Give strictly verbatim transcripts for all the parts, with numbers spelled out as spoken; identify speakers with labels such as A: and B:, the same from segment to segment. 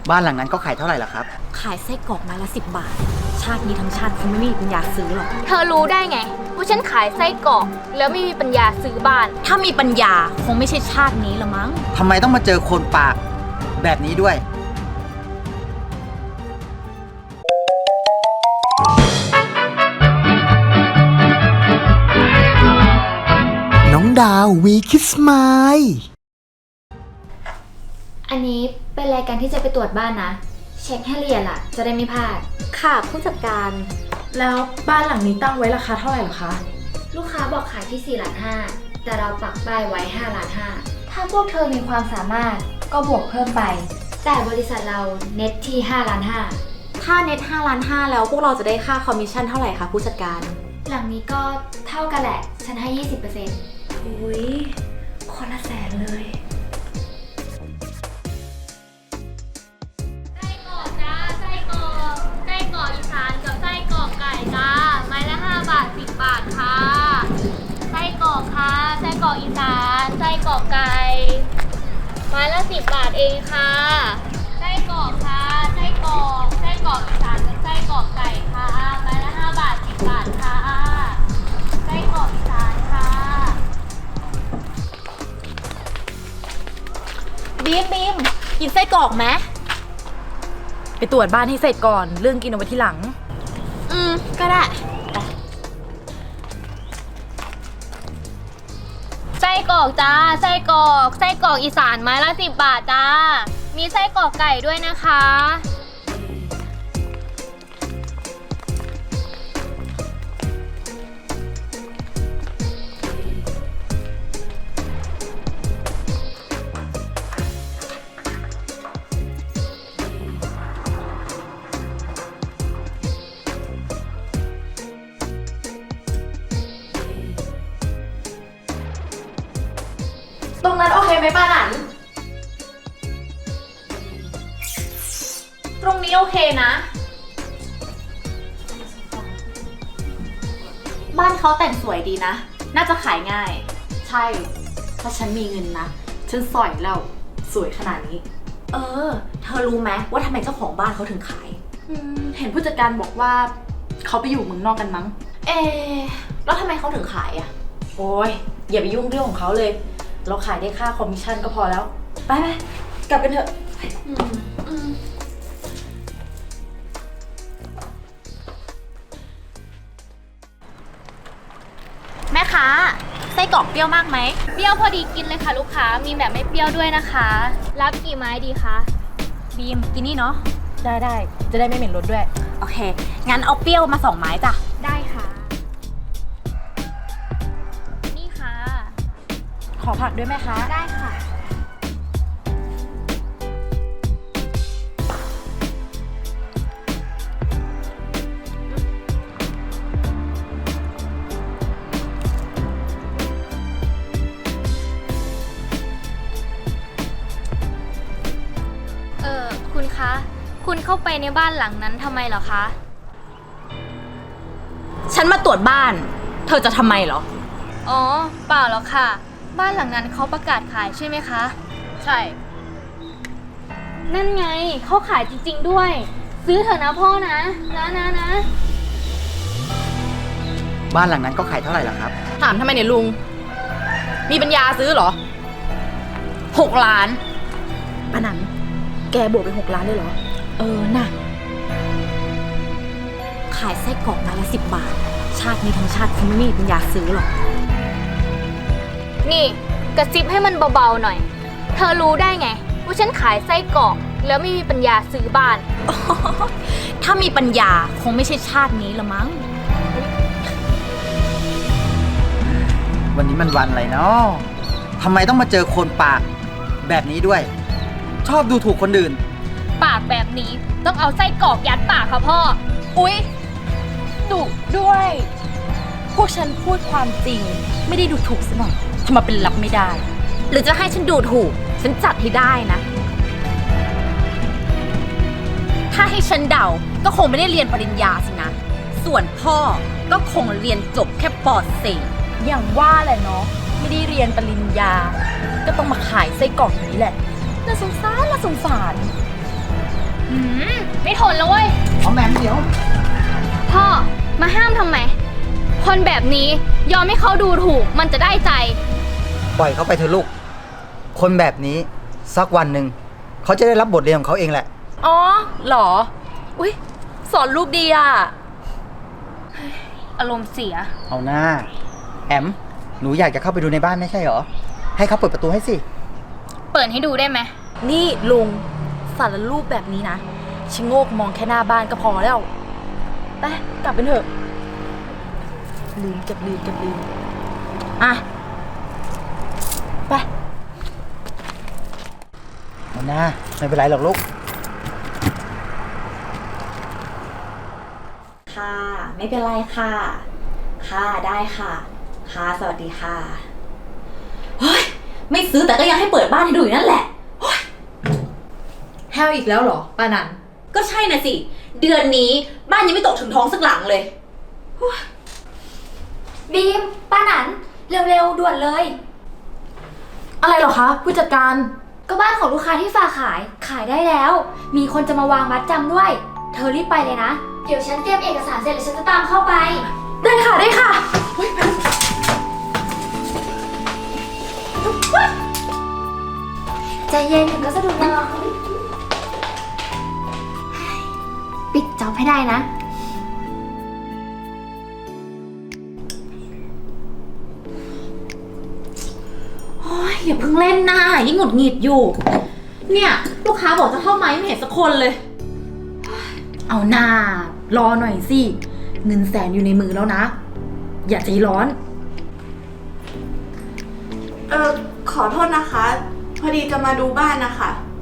A: บ้านหลังนั้นก็ขายเท่าไหร่ล่ะครับ
B: ขายไส้กรอกไม้ละสิบบาทชาตินี้ทั้งชาติคงไม่มีปัญญาซื้อหรอก
C: เธอรู้ได้ไงว่าฉันขายไส้กรอกแล้วไม่มีปัญญาซื้อบ้าน
B: ถ้ามีปัญญาคงไม่ใช่ชาตินี้ละมั้ง
A: ทำไมต้องมาเจอคนปากแบบนี้ด้วย
D: น้องดาววีคิสมาย
E: อันนี้เป็นรายการที่จะไปตรวจบ้านนะเช็คให้ละเอียดล่ะจะได้ไม่พลาด
B: ค่ะผู้จัดการ
F: แล้วบ้านหลังนี้ตั้งไว้ราคาเท่าไหร่หรอคะ
E: ลูกค้าบอกขายที่สี่ล้านห้าแต่เราปักป้ายไว้ห้าล้านห้าถ้าพวกเธอมีความสามารถก็บวกเพิ่มไปแต่บริษัทเราเน็ตที่ห้าล้านห้า
B: ถ้าเน็ตห้าล้านห้าแล้วพวกเราจะได้ค่าคอมมิชชั่นเท่าไหร่คะผู้จัดการ
E: หลังนี้ก็เท่ากันแหละฉันให้ ยี่สิบเปอร์เซ็นต์
F: อุ้ยคนละแสนเลย
C: ไส้กรอกจ้าไส้กรอกไส้กรอกอีสานกับไส้กรอกไก่จ้าไม้ละห้าบาทสิบบาทค่ะไส้กรอกค่ะไส้กรอกอีสานไส้กรอกไก่ไม้ละสิบบาทเองค่ะไส้กรอกค่ะไส้กรอกไส้กรอกอีสานกับไส้กรอกไก่ค่ะไม้ละห้าบาทสิบบาทค่ะไส้กรอกอีสานค่ะ
B: บีมบีมกินไส้กรอกไหม
F: ไปตรวจบ้านให้เสร็จก่อนเรื่องกินเอาไว้ทีหลัง
B: อืมก็ได้
C: ไส้กรอกจ้าไส้กรอกไส้กรอกอีสานไม้ละสิบบาทจ้ามีไส้กรอกไก่ด้วยนะคะ
F: ตรงนั้นโอเคไหมป้าหนัน
B: ตรงนี้โอเคนะบ้านเขาแต่งสวยดีนะน่าจะขายง่าย
F: ใช่ถ้าฉันมีเงินนะฉันสอยแล้วสวยขนาดนี้
B: เออเธอรู้ไหมว่าทำไมเจ้าของบ้านเขาถึงขาย
F: อืมเห็นผู้จัดการบอกว่าเขาไปอยู่เมืองนอกกันมั้ง
B: เอแล้วทำไมเขาถึงขายอ่ะ
F: โอ้ยอย่าไปยุ่งเรื่องของเขาเลยเราขายได้ค่าคอมมิชชั่นก็พอแล้วไปไปกลับกันเถอะอืมอืม
B: แม่ค้าไส้กรอกเปรี้ยวมากไหม
C: เปรี้ยวพอดีกินเลยค่ะลูกค้ามีแบบไม่เปรี้ยวด้วยนะคะรับกี่ไม้ดีคะ
B: บีมกินนี่เนาะ
F: ได้ได้จะได้ไม่เหม็นรสด้วย
B: โอเคงั้นเอาเปรี้ยวมาสองไม้จ้ะ
C: ได้ค่ะนี่ค่ะ
F: ขอผักด้วยไหมคะ
C: ได้ค่ะเออคุณคะคุณเข้าไปในบ้านหลังนั้นทำไมเหรอคะ
B: ฉันมาตรวจบ้านเธอจะทำไมเหรอ
C: อ๋อเปล่าหรอกค่ะบ้านหลังนั้นเขาประกาศขายใช่ไหมคะ
B: ใช่
C: นั่นไงเขาขายจริงๆด้วยซื้อเถอะนะพ่อนะนะนะนะ
A: บ้านหลังนั้นก็ขายเท่าไหร่ล่ะครับ
B: ถามทำไมเนี่ยลุงมีปัญญาซื้อเหรอหกล้าน
F: ป้าหนันแกบวกไปหกล้านเลยเหรอ
B: เออน่ะขายไส้กรอกไม้ละสิบบาทชาตินี้ทั้งชาติคงไม่มีปัญญาซื้อหรอก
C: นี่กระซิบให้มันเบาๆหน่อยเธอรู้ได้ไงว่าฉันขายไส้กรอกแล้วไม่มีปัญญาซื้อบ้าน
B: ถ้ามีปัญญาคงไม่ใช่ชาตินี้ละมั้ง
A: วันนี้มันวันอะไรเนาะทำไมต้องมาเจอคนปากแบบนี้ด้วยชอบดูถูกคนอื่น
C: ปากแบบนี้ต้องเอาไส้กรอกยัดปากค่ะพ่อ
B: อุ๊ยดุด้วยพวกฉันพูดความจริงไม่ได้ดูถูกซะหน่อยทำไมเป็นรับไม่ได้หรือจะให้ฉันดูถูกฉันจัดให้ได้นะถ้าให้ฉันเดาก็คงไม่ได้เรียนปริญญาสินะส่วนพ่อก็คงเรียนจบแค่ป.สี่
F: อย่างว่าแหละเนาะไม่ได้เรียนปริญญาก็ต้องมาขายไส้กรอกนี้แหละน่าสงสารน่าสงสาร
C: หืมไม่ทนแล้วเว้ย
A: เอาแหมมเดี๋ยว
C: พ่อ มาห้ามทำไม คนแบบนี้ยอมให้เขาดูถูกมันจะได้ใจ
A: ปล่อยเขาไปเถอะลูก คนแบบนี้สักวันหนึ่งเขาจะได้รับบทเรียนของเขาเองแหละ
F: อ๋อเหรอ อุ้ยสอนลูกดีอ่ะ
C: อารมณ์เสีย
A: เอาหน้า แอม หนูอยากจะเข้าไปดูในบ้านไม่ใช่เหรอ ให้เขาเปิดประตูให้สิ
C: เปิดให้ดูได้ไหม
F: นี่ลุงสารรูปแบบนี้นะชะโงกมองแค่หน้าบ้านก็พอแล้ว ไปกลับเป็นเถอะ ลืมเก็บลืมเก็บลืมอ่ะ ไป
A: เอาหน้า ไม่เป็นไรหรอกลูก
F: ค่ะ ไม่เป็นไรค่ะ ค่ะได้ค่ะ ค่ะสวัสดีค่ะ เฮ้ย ไม่ซื้อแต่ก็ยังให้เปิดบ้านให้ดูอยู่นั่นแหละเฮ้ยแฮวอีกแล้วเหรอป้านันก็ใช่น่ะสิ เดือนนี้บ้านยังไม่ตกถึงท้องสักหลังเลย
E: บีม ป้าหนัน เร็วๆ ด่วนเลย
F: อะไรเหรอคะผู้จัดการ
E: ก็บ้านของลูกค้าที่ฝากขาย ขายได้แล้ว มีคนจะมาวางมัดจำด้วย เธอรีบไปเลยนะ เดี๋ยวฉันเตรียมเอกสารเสร็จแล้วฉันจะตามเข้าไป
F: ได้ค่ะได้ค่ะ
E: ใจเย็นถึงก็สะดุดหรอกปิดจ็อบให้ได้นะ
F: โอ้ยอย่าเพิ่งเล่นนะยิ่งหงุดหงิดอยู่ เนี่ยลูกค้าบอกจะเข้าไหมไม่เห็นสักคนเลย เอาหน้ารอหน่อยสิ เงินแสนอยู่ในมือแล้วนะ อย่าใจร้อน
G: เออขอโทษนะคะ พอดีจะมาดูบ้านนะคะ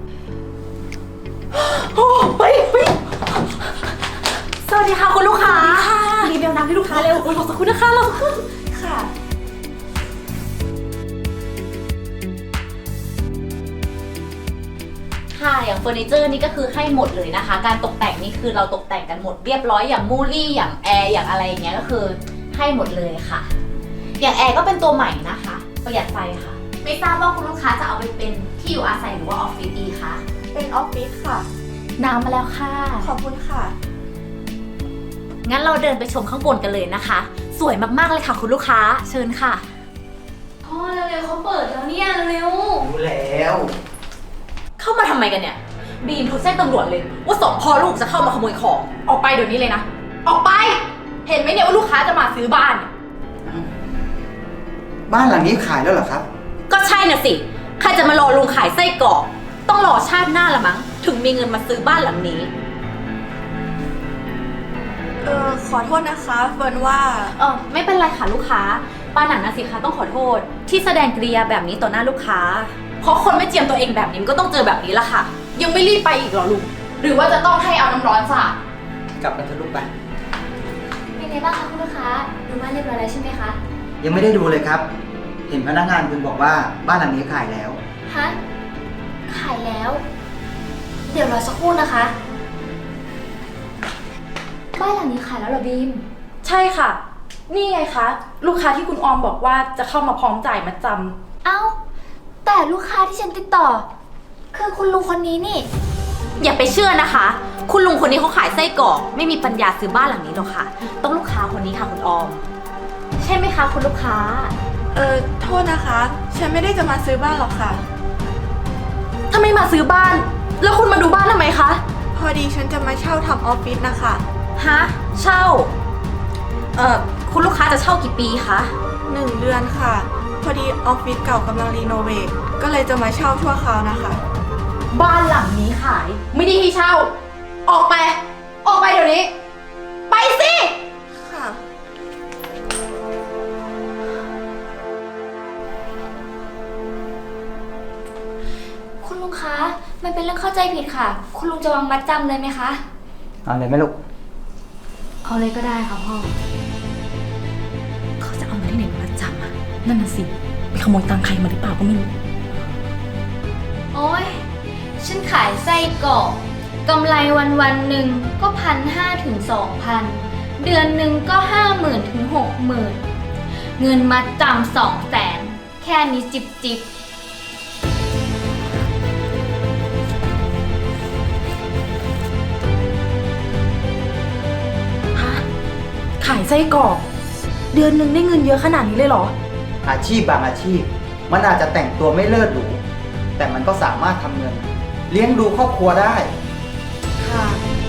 F: โอ้เฮ้ยเฮ้ยสวัสดีค่ะคุณลูกค้ารีบเอาน้ำให้ลูกค้าเร็วรอสักครู่นะคะรอสักครู่
G: ค่ะ
B: ค่ะ อย่างเฟอร์นิเจอร์นี่ก็คือให้หมดเลยนะคะ การตกแต่งนี่คือเราตกแต่งกันหมดเรียบร้อยอย่างมูลี่อย่างแอร์อย่างอะไรอย่างเงี้ยก็คือให้หมดเลยค่ะ อย่างแอร์ก็เป็นตัวใหม่นะคะ ประหยัดไฟค่ะ ไม่ทราบว่าคุณลูกค้าจะเอาไปเป็นที่อยู่อาศัยหรือว่าออฟฟิศดีคะ
G: เป็นออฟฟิศค่ะ
F: น้ำมาแล้วค่ะ
G: ขอบคุณค่ะ
B: งั้นเราเดินไปชมข้างบนกันเลยนะคะ สวยมากๆเลยค่ะคุณลูกค้าเชิญค่ะ
C: พ่อเร็วๆเขาเปิดแล้วเนี่ยเร็ว
A: รู้แล้ว
F: เข้ามาทำไมกันเนี่ย บีมโทรแจ้งตำรวจเลย ว่าสองพ่อลูกจะเข้ามาขโมยของ ออกไปเดี๋ยวนี้เลยนะ ออกไป เห็นไหมเนี่ยว่าลูกค้าจะมาซื้อบ้าน
A: บ้านหลังนี้ขายแล้วเหรอครับ
B: ก็ใช่น่ะสิ ใครจะมารอลุงขายไส้กรอก ต้องรอชาติหน้าละมั้ง ถึงมีเงินมาซื้อบ้านหลังนี้
G: เออขอโทษนะคะเฟิร์นว่า
B: เออไม่เป็นไรค่ะลูกค้า ป้าหนันนะสิคะต้องขอโทษ ที่แสดงกริยาแบบนี้ต่อหน้าลูกค้า
F: เพราะคนไม่เจียมตัวเองแบบนี้มันก็ต้องเจอแบบนี้ละค่ะ ยังไม่รีบไปอีกเหรอลุง หรือว่าจะต้องให้เอาน้ำร้อนสาด
A: กลับกันเถอะลูกไป
E: เป็นไงบ้างคะคุณลูกค้า ดูบ้านเรียบร้อยแล้วใช่ไหมคะ
A: ยังไม่ได้ดูเลยครับ เห็นพนักงานคุณบอกว่าบ้านหลังนี้ขายแล้ว
E: ฮะ ขายแล้ว เดี๋ยวรอสักครู่นะคะ บ้านหลังนี้ขายแล้วเหรอบีม
F: ใช่ค่ะ นี่ไงคะ ลูกค้าที่คุณออมบอกว่าจะเข้ามาพร้อมจ่ายมัดจำ
E: เอ้า แต่ลูกค้าที่ฉันติดต่อ คือคุณลุงคนนี้นี่
B: อย่าไปเชื่อนะคะ คุณลุงคนนี้เขาขายไส้กรอก ไม่มีปัญญาซื้อบ้านหลังนี้หรอกค่ะ ต้องลูกค้าคนนี้ค่ะคุณออม ใช่ไหมคะคุณลูกค้า
G: เออโทษนะคะ ฉันไม่ได้จะมาซื้อบ้านหรอกค่ะ
F: ถ้าไม่มาซื้อบ้าน แล้วคุณมาดูบ้านทำไมคะ
G: พอดีฉันจะมาเช่าทำออฟฟิศนะคะ
B: ฮะ เช่า เอ่อ คุณลูกค้าจะเช่ากี่ปีคะ
G: หนึ่งเดือนค่ะ พอดีออฟฟิศเก่ากำลังรีโนเวท ก็เลยจะมาเช่าชั่วคราวนะคะ
F: บ้านหลังนี้ขาย ไม่ได้ให้เช่า ออกไป ออกไปเดี๋ยวนี้ ไปสิ
G: ค่ะ
E: คุณลุงคะ มันเป็นเรื่องเข้าใจผิดค่ะ คุณลุงจะวางมัดจำเลยไหมคะ
A: เอาเลยไหมลูก
E: เอาเลยก็ได้ค่ะพ่อ
F: เขาจะเอาเงินที่ไหนมาจำอ่ะ นั่นน่ะสิ ไปขโมยตังค์ใครมาหรือเปล่าก็ไม่รู้
C: โอ๊ย ฉันขายไส้กรอกกำไรวันวันๆหนึ่งก็พันห้าถึงสองพันเดือนหนึ่งก็ห้าหมื่นถึงหกหมื่นเงินมาจำสองแสนแค่นี้จิบจิบ
G: ไส้กรอก เดือนหนึ่งได้เงินเยอะขนาดนี้เลยเหรอ
A: อาชีพบางอาชีพ มันอาจจะแต่งตัวไม่เลิศหรูแต่มันก็สามารถทำเงิน เลี้ยงดูครอบครัวได้
G: ค่ะ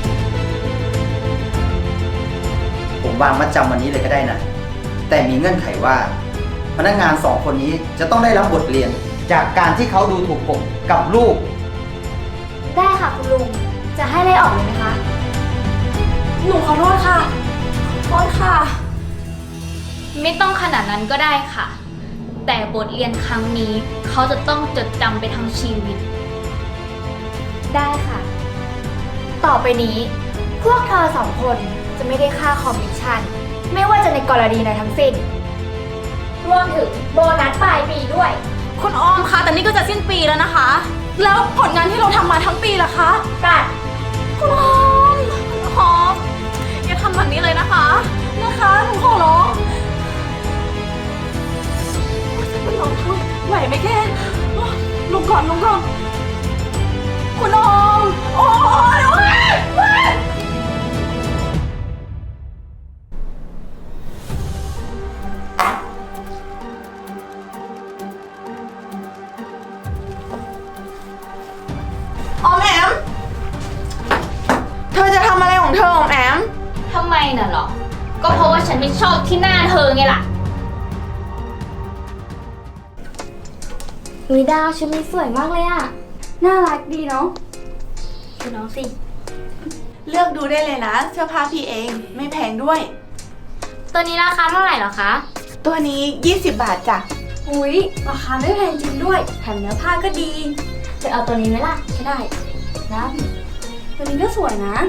A: ผมวางมัดจำวันนี้เลยก็ได้นะ แต่มีเงื่อนไขว่า พนักงานสองคนนี้จะต้องได้รับบทเรียน จากการที่เขาดูถูกผมกับลูก
E: ได้ค่ะคุณลุง จะให้ไล่ออกเลยไหมคะ
G: หนูขอโทษค่ะขอโทษค่ะ
C: ไม่ต้องขนาดนั้นก็ได้ค่ะ แต่บทเรียนครั้งนี้เขาจะต้องจดจำไปทั้งชีวิต
E: ได้ค่ะ ต่อไปนี้ พวกเธอสองคนจะไม่ได้ค่าคอมมิชชั่น ไม่ว่าจะในกรณีใดทั้งสิ้น รวมถึงโบนัสปลายปีด้วย
G: คุณออมคะแต่นี่ก็จะสิ้นปีแล้วนะคะ แล้วผลงานที่เราทำมาทั้งปีล่ะคะ
E: ตัด
G: คุณออมคุณออมอย่าทำแบบนี้เลยนะคะ นะคะหนูขอร้องฉันเป็นลมช่วยไหวไหมแกลงก่อนลงก่อนคุณออมโอ้ยโอ้ยโอ้ยออมแอม เธอจะทำอะไรของเธอออมแอม
C: ทำไมน่ะหรอ ก็เพราะว่าฉันไม่ชอบที่หน้าเธอไงล่ะ
E: อุ้ยดาวชุดนี้สวยมากเลยอะน่ารักดีเนาะคือน้องสิ
G: เลือกดูได้เลยนะ เสื้อผ้าพี่เองไม่แพงด้วย
C: ตัวนี้ราคาเท่าไหร่หรอคะ
G: ตัวนี้ยี่สิบบาทจ้ะ
E: อุ้ยราคาไม่แพงจริงด้วยแถมเนื้อผ้าก็ดีจะเอาตัวนี้ไหมล่ะไม่ได้นะตัวนี้ก็สวยนะ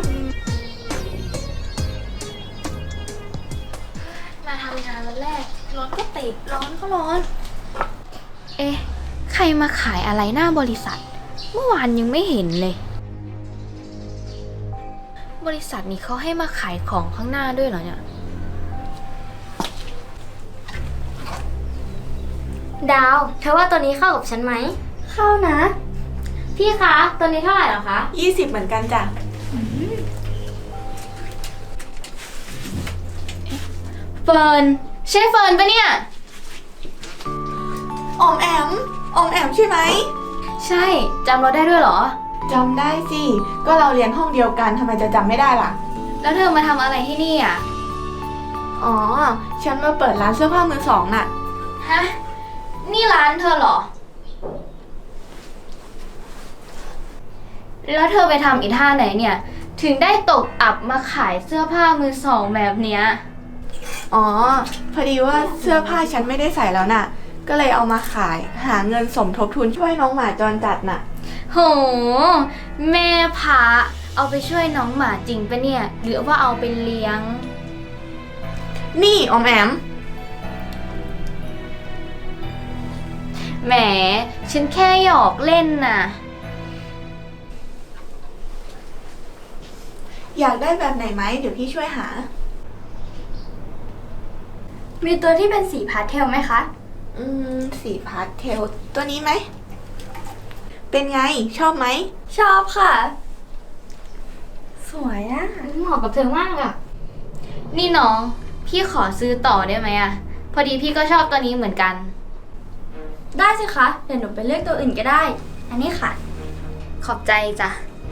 C: มาทำงานวันแรกรถก็ติดร้อนก็ร้อน เอ๊ะ ใครมาขายอะไรหน้าบริษัท เมื่อวานยังไม่เห็นเลย บริษัทนี้เขาให้มาขายของข้างหน้าด้วยเหรอเนี่ย
E: ดาวเธอว่าตัวนี้เข้ากับฉันไหมเข้านะ
C: พี่คะตัวนี้เท่าไหร่หรอคะ
G: ยี่สิบเหมือนกันจ้ะ
C: เฟิร์นใช่เฟิร์นปะเนี่ย
G: ออมแอม ออมแอมใช่ไหม
C: ใช่จำเราได้ด้วยเหรอ
G: จำได้สิ ก็เราเรียนห้องเดียวกันทำไมจะจำไม่ได้ล่ะ
C: แล้วเธอมาทำอะไรที่นี่อ่ะ
G: อ๋อ ฉันมาเปิดร้านเสื้อผ้ามือสองน่ะ
C: ฮะ นี่ร้านเธอเหรอ แล้วเธอไปทำอีท่าไหนเนี่ย ถึงได้ตกอับมาขายเสื้อผ้ามือสองแบบเนี้ย
G: อ๋อ พอดีว่าเสื้อผ้าฉันไม่ได้ใส่แล้วน่ะ ก็เลยเอามาขายหาเงินสมทบทุนช่วยน้องหมาจรจัดน่ะ
C: โห แม่พระเอาไปช่วยน้องหมาจริงปะเนี่ย หรือว่าเอาไปเลี้ยง
G: นี่ออมแอม
C: แหม ฉันแค่หยอกเล่นน่ะ
G: อยากได้แบบไหนไหม เดี๋ยวพี่ช่วยหา
E: มีตัวที่เป็นสีพาสเทลไหมคะ
G: อืม สีพาสเทล ตัวนี้ไหม เป็นไง ชอบไหม
E: ชอบค่ะ สวยอะ
C: เหมาะกับเธอมากอะนี่น้อง พี่ขอซื้อต่อได้ไหมอะพอดีพี่ก็ชอบตัวนี้เหมือนกัน
E: ได้สิคะ เดี๋ยวหนูไปเลือกตัวอื่นก็ได้ อันนี้ค่ะ
C: ขอบใจจ้ะ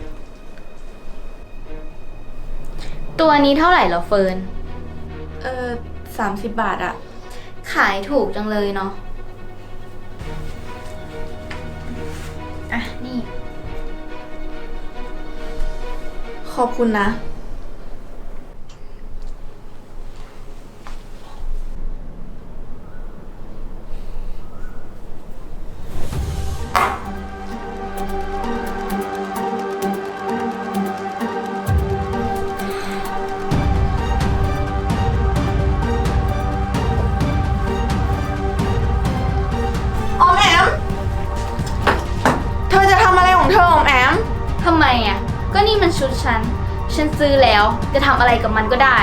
C: ตัวนี้เท่าไหร่เหรอเฟิร์น
G: เออสามสิบบาทอะ
C: ขายถูกจังเลยเนาะ อ่ะ นี่
G: ขอบคุณนะ ออมแอม เธอจะทำอะไรของเธอออมแอม
C: ทำไมอ่ะ ก็นี่มันชุดฉัน ฉันซื้อแล้ว จะทำอะไรกับมันก็ได้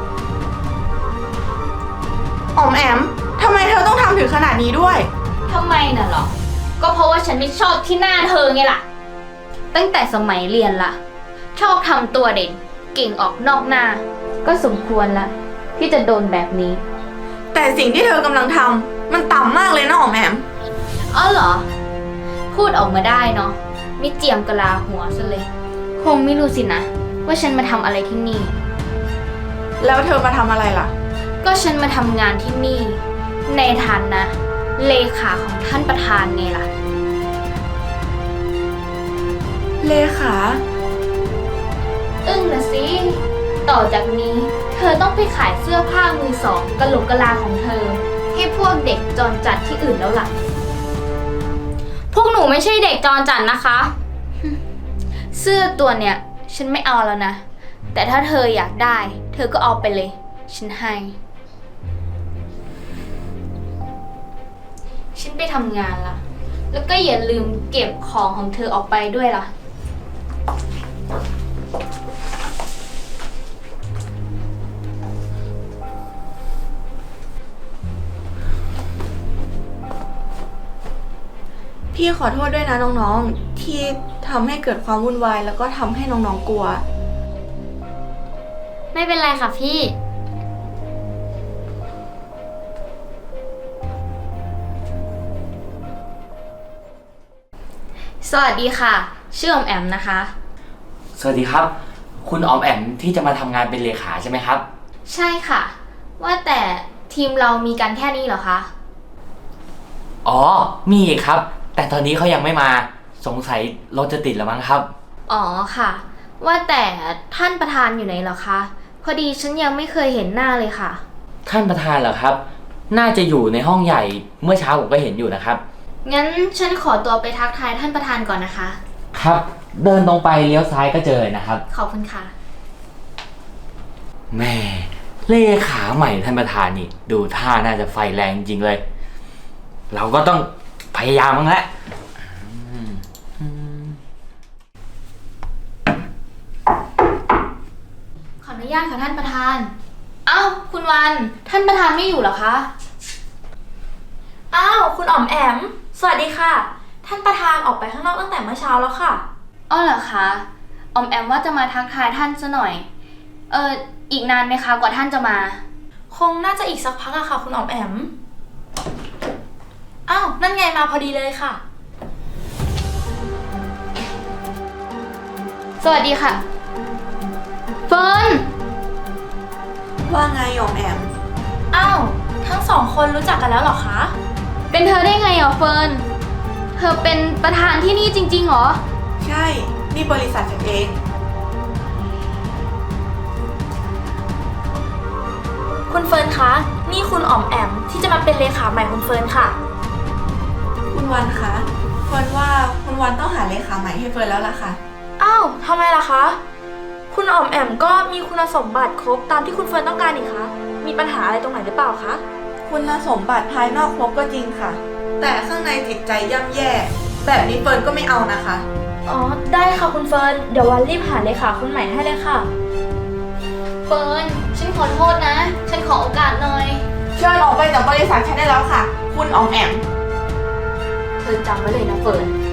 G: ออมแอม ทำไมเธอต้องทำถึงขนาดนี้ด้วย
C: ทำไมน่ะหรอ ก็เพราะว่าฉันไม่ชอบที่หน้าเธอไงล่ะ ตั้งแต่สมัยเรียนล่ะ ชอบทำตัวเด่น เก่งออกนอกหน้า ก็สมควรละ
B: ที่จะโดนแบบนี้
G: แต่สิ่งที่เธอกำลังทำมันต่ำมากเลยนะอ๋อมแอม
E: อ๋อเหรอ พูดออกมาได้เนาะไม่เจียมกะลาหัวซะเลย คงไม่รู้สินะ ว่าฉันมาทำอะไรที่นี่
G: แล้วเธอมาทำอะไรล่ะ
E: ก็ฉันมาทำงานที่นี่ ในฐานะเลขาของท่านประธานไงล่ะ
G: เลขา
E: อึ้งนะสิ ต่อจากนี้ เธอต้องไปขายเสื้อผ้ามือสองกะโหลกกะลาของเธอ ให้พวกเด็กจรจัดที่อื่นแล้วล่ะ พวกหนูไม่ใช่เด็กจรจัดนะคะ เสื้อตัวเนี้ยฉันไม่เอาแล้วนะ แต่ถ้าเธออยากได้ เธอก็เอาไปเลย ฉันให้ ฉันไปทำงานละ แล้วก็อย่าลืมเก็บของของเธอออกไปด้วยล่ะ
G: พี่ขอโทษด้วยนะน้องๆ ที่ทำให้เกิดความวุ่นวายแล้วก็ทำให้น้องๆกลัว
E: ไม่เป็นไรค่ะพี่ สวัสดีค่ะ ชื่ออมแอมนะคะ
H: สวัสดีครับ คุณออมแอมที่จะมาทำงานเป็นเลขาใช่ไหมครับ
E: ใช่ค่ะ ว่าแต่ทีมเรามีกันแค่นี้เหรอคะ
H: อ๋อ มีอีกครับ แต่ตอนนี้เขายังไม่มาสงสัยรถจะติดแล้วมั้งครับ
E: อ๋อค่ะ ว่าแต่ท่านประธานอยู่ไหนเหรอคะ พอดีฉันยังไม่เคยเห็นหน้าเลยค่ะ
H: ท่านประธานเหรอครับ น่าจะอยู่ในห้องใหญ่เมื่อเช้าผมก็เห็นอยู่นะครับ
E: งั้นฉันขอตัวไปทักทายท่านประธานก่อนนะคะ
H: ครับ เดินตรงไปเลี้ยวซ้ายก็เจอนะครับ
E: ขอบคุณค่ะ
H: แม่เลขาใหม่ท่านประธานนี่ดูท่าน่าจะไฟแรงจริงเลย เราก็ต้องพยายามมั้งแหละอืมอืม
E: ขออนุญาตค่ะท่านประธาน อ้าวคุณวัน ท่านประธานไม่อยู่เหรอคะ
I: อ้าวคุณอ๋อมแอม สวัสดีค่ะ ท่านประธานออกไปข้างนอกตั้งแต่เมื่อเช้าแล้วค่ะ
E: อ้อเหรอคะออมแอมว่าจะมาทักทายท่านซะหน่อย เอออีกนานไหมคะกว่าท่านจะมา
I: คงน่าจะอีกสักพักอะค่ะ คุณอ๋อมแอม อ้าว นั่นไงมาพอดีเลยค่ะ
E: สวัสดีค่ะ เฟิร์น
G: ว่าไงอ๋อมแอม
I: อ้าว ทั้งสองคนรู้จักกันแล้วเหรอคะ
E: เป็นเธอได้ไงอ่ะเฟิร์น เธอเป็นประธานที่นี่จริงๆเหรอ
G: ใช่ นี่บริษัทฉันเอง
I: คุณเฟิร์นคะ นี่คุณอ๋อมแอมที่จะมาเป็นเลขาใหม่คุณเฟิร์นค่ะ
G: คุณวันคะเฟิร์นว่าคุณวันต้องหาเลขาใหม่ให้เฟิร์นแล้วล่ะค่ะ
I: อ้าวทำไมล่ะคะ คุณอ๋อมแอมก็มีคุณสมบัติครบตามที่คุณเฟิร์นต้องการนี่คะ มีปัญหาอะไรตรงไหนหรือเปล่าคะ
G: คุณสมบัติภายนอกครบก็จริงค่ะ แต่ข้างในจิตใจย่ำแย่ แบบนี้เฟิร์นก็ไม่เอานะคะ
I: อ๋อ ได้ค่ะคุณเฟิร์น เดี๋ยววันรีบหาเลขาคนใหม่ให้เลยค่ะ
E: เฟิร์น ฉันขอโทษนะ ฉันขอโอกาสหน่อย
G: เชิญออกไปจากบริษัทฉันได้แล้วค่ะ คุณอ๋อมแอม
E: เธอจำไว้เลยนะเฟิร์น